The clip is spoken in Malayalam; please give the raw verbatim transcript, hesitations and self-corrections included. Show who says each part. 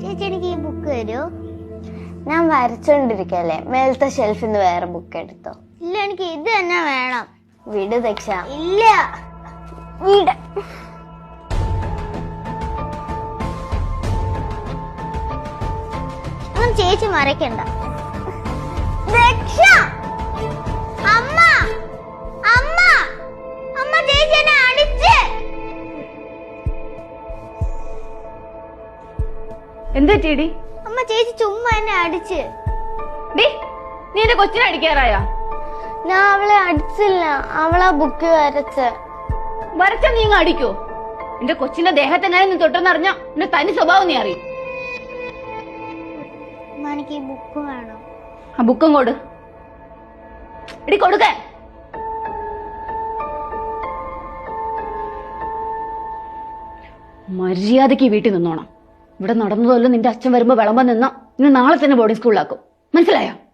Speaker 1: ചേച്ചി എനിക്ക് ഈ ബുക്ക് തരുമോ?
Speaker 2: ഞാൻ വരച്ചോണ്ടിരിക്കല്ലേ, മേലത്തെ ഷെൽഫിൽ നിന്ന് വേറെ ബുക്ക് എടുത്തോ.
Speaker 1: ഇല്ല, എനിക്ക് ഇത് തന്നെ വേണം.
Speaker 2: വിട് ദക്ഷ.
Speaker 1: ഇല്ല,
Speaker 2: വിട്.
Speaker 1: ഒന്നും ചേച്ചി മറക്കണ്ട. ദക്ഷ, അമ്മ അമ്മ അമ്മ ചേച്ചി എന്നെ അടിച്ച്.
Speaker 3: എന്താ ചേടി?
Speaker 1: അമ്മ ചേച്ചി ചുമ്മാ എന്നെ അടിച്ച്.
Speaker 3: ഡി, നീ എന്റെ കൊച്ചിനെ അടിക്കാറായ?
Speaker 2: ഞാൻ അവളെ അടിച്ചില്ല, അവളാ ബുക്ക് വരച്ച്.
Speaker 3: വരച്ച നീ ഇങ്ങ് അടിക്കോ? എന്റെ കൊച്ചിന്റെ ദേഹത്തെങ്ങനെ നീ തൊട്ടെന്നറിഞ്ഞ എന്റെ തനി സ്വഭാവം നീ അറിയും.
Speaker 1: എനിക്ക് ഈ ബുക്ക് വേണം.
Speaker 3: ആ ബുക്കും കൊടു. എടി കൊടുക്ക. മര്യാദക്ക് ഈ വീട്ടിൽ നിന്നോണം. ഇവിടെ നടന്നതല്ലോ നിന്റെ അച്ഛൻ വരുമ്പോ വിളമ്പോ നിന്നോ ഇന്ന് നാളെ തന്നെ ബോർഡിംഗ് സ്കൂളിലാക്കും. മനസ്സിലായോ?